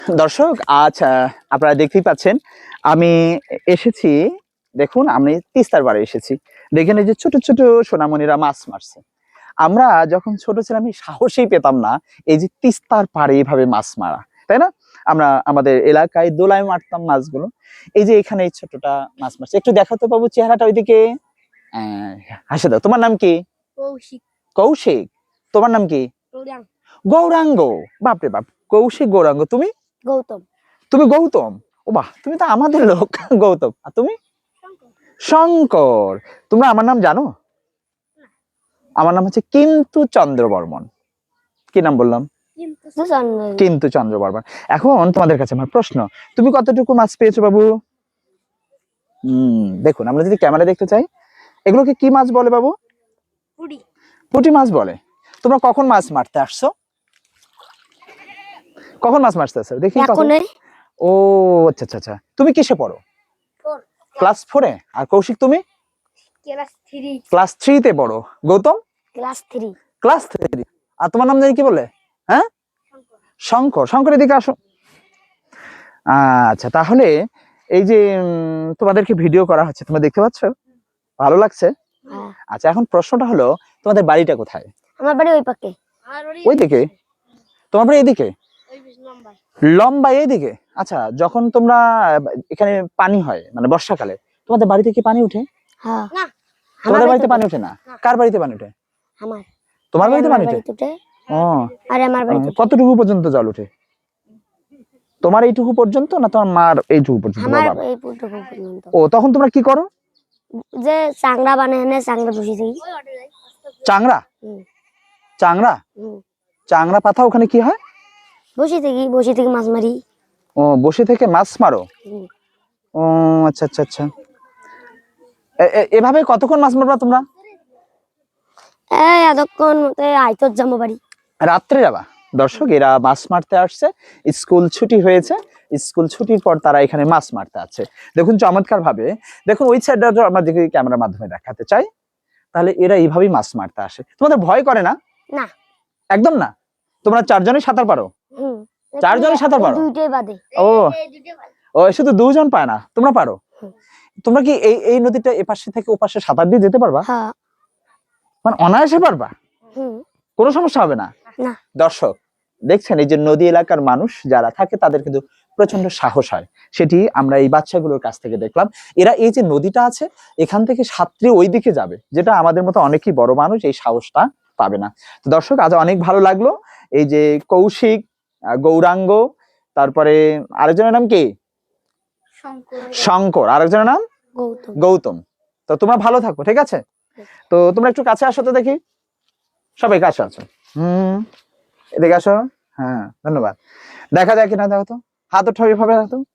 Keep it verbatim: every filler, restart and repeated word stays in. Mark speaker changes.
Speaker 1: দর্শক আজ আহ, আপনারা দেখতেই পাচ্ছেন আমি এসেছি। দেখুন আমি তিস্তার পাড়ে এসেছি। দেখেন এই যে ছোট ছোট সোনামণিরা মাছ মারছে। আমরা যখন ছোট ছিলাম আমি সাহসই পেতাম না এই যে তিস্তার পাড়ে এইভাবে মাছ মারা, তাই না? আমরা আমাদের এলাকায় দোলায় মারতাম মাছগুলো। এই যে এখানে এই ছোটটা মাছ মারছে, একটু দেখো তো বাবু চেহারাটা ওইদিকে। আহ, হাসে দাও। তোমার নাম কি?
Speaker 2: কৌশিক।
Speaker 1: কৌশিক। তোমার নাম কি?
Speaker 2: গৌরাঙ্গ।
Speaker 1: গৌরাঙ্গ। বাপরে বাপ, কৌশিক গৌরাঙ্গ। তুমি?
Speaker 2: গৌতম।
Speaker 1: তুমি গৌতম। ও বাহ, তুমি তো আমাদের লোক। গৌতম। আর তুমি? শঙ্কর। তোমরা আমার নাম জানো? আমার নাম হচ্ছে কিন্তু চন্দ্র বর্মন। কি নাম বললাম? কিন্তু চন্দ্র বর্মন। এখন তোমাদের কাছে আমার প্রশ্ন, তুমি কতটুকু মাছ পেয়েছো বাবু? হম দেখুন, আমরা যদি ক্যামেরা দেখতে চাই, এগুলোকে কি মাছ বলে বাবু?
Speaker 2: পুঁটি।
Speaker 1: পুঁটি মাছ বলে। তোমরা কখন মাছ মারতে আসছো? কখন মাছ মারতে আসছো দেখি? ও আচ্ছা আচ্ছা আচ্ছা। তুমি কিসে পড়ো? ক্লাস ফোরে। আর কৌশিক তুমি?
Speaker 2: Class three.
Speaker 1: ক্লাস থ্রি তে পড়ো। Gautam?
Speaker 2: Class three.
Speaker 1: Class three. আর তোমার নাম জানি কি বলে? হ্যাঁ, শঙ্কর। শঙ্কর এদিকে আসো। আচ্ছা, তাহলে এই যে উম, তোমাদেরকে ভিডিও করা হচ্ছে, তোমরা দেখতে পাচ্ছ? ভালো লাগছে? আচ্ছা, এখন প্রশ্নটা হলো তোমাদের বাড়িটা কোথায়?
Speaker 2: আমার বাড়ি ওই পাকে।
Speaker 1: ওই দিকে? তোমার বাড়ি এদিকে? লম্বা এইদিকে? আচ্ছা, যখন তোমরা এখানে পানি হয় মানে বর্ষাকালে, তোমাদের বাড়িতে কি পানি উঠে?
Speaker 2: হ্যাঁ। না,
Speaker 1: তোমাদের বাড়িতে পানি ওঠে না? কার বাড়িতে পানি ওঠে?
Speaker 2: আমার।
Speaker 1: তোমার বাড়িতে পানি ওঠে? ও,
Speaker 2: আরে আমার বাড়িতে
Speaker 1: কতটুকু পর্যন্ত জল ওঠে? তোমার এইটুকু পর্যন্ত না তোমার মার এইটুকু পর্যন্ত?
Speaker 2: আমার এইটুকু পর্যন্ত।
Speaker 1: ও, তখন তোমরা কি করো?
Speaker 2: যে চাংড়া বানায় না, চাংড়া বসে থাকি।
Speaker 1: চাংড়া? চাংড়া? চাংড়া পাতা ওখানে কি হয়?
Speaker 2: বসে থাকি, বসে থেকে মাছ মারি।
Speaker 1: ও, বসে থেকে মাছ মারো? ও আচ্ছা আচ্ছা আচ্ছা। এভাবে কতক্ষণ মাছ মারবা তোমরা?
Speaker 2: এই এতক্ষণ মতে আইতর যাবো বাড়ি।
Speaker 1: রাত্রে যাবা? দর্শক, এরা মাছ মারতে আসছে, স্কুল ছুটি হয়েছে, স্কুল ছুটির পর তারা এখানে মাছ মারতে আছে। দেখুন চমৎকার ভাবে, দেখুন ওই সাইডটা আমরা দেখি ক্যামেরার মাধ্যমে দেখাতে চাই। তাহলে এরা এইভাবেই মাছ মারতে আসে। তোমাদের ভয় করে না?
Speaker 2: না,
Speaker 1: একদম না। তোমরা চারজনই সাঁতার পারো? চারজনই সাঁতার পারো?
Speaker 2: দুইটাই বাদে।
Speaker 1: ও ও, শুধু দুজন পায় না, তোমরা পারো? তোমরা কি এই এই নদীটা এপাশে থেকে ওপাশে সাঁতার দিয়ে যেতে পারবা?
Speaker 2: হ্যাঁ,
Speaker 1: মানে অনায়াসে পারবা? কোনো সমস্যা হবে না?
Speaker 2: না।
Speaker 1: দর্শক দেখছেন, এই যে নদী এলাকার মানুষ যারা থাকে তাদের কিন্তু প্রচন্ড সাহস হয়, সেটি আমরা এই বাচ্চাগুলোর কাছ থেকে দেখলাম। এরা এই যে নদীটা আছে এখান থেকে সাঁতরে ওই দিকে যাবে, যেটা আমাদের মতো অনেকেই বড় মানুষ এই সাহসটা পাবে না। তো দর্শক, আজ অনেক ভালো লাগলো। এই যে কৌশিক, গৌরাঙ্গ, তারপরে আরেকজনের নাম কি? শঙ্কর। আরেকজনের নাম
Speaker 2: গৌতম।
Speaker 1: গৌতম। তো তোমরা ভালো থাকো, ঠিক আছে? তো তোমরা একটু কাছে আসো তো দেখি, সবাই কাছে আসো। হম, এদিকে আসো। হ্যাঁ, ধন্যবাদ। দেখা যায় কিনা দেখো তো, হাত উঠাও এভাবে।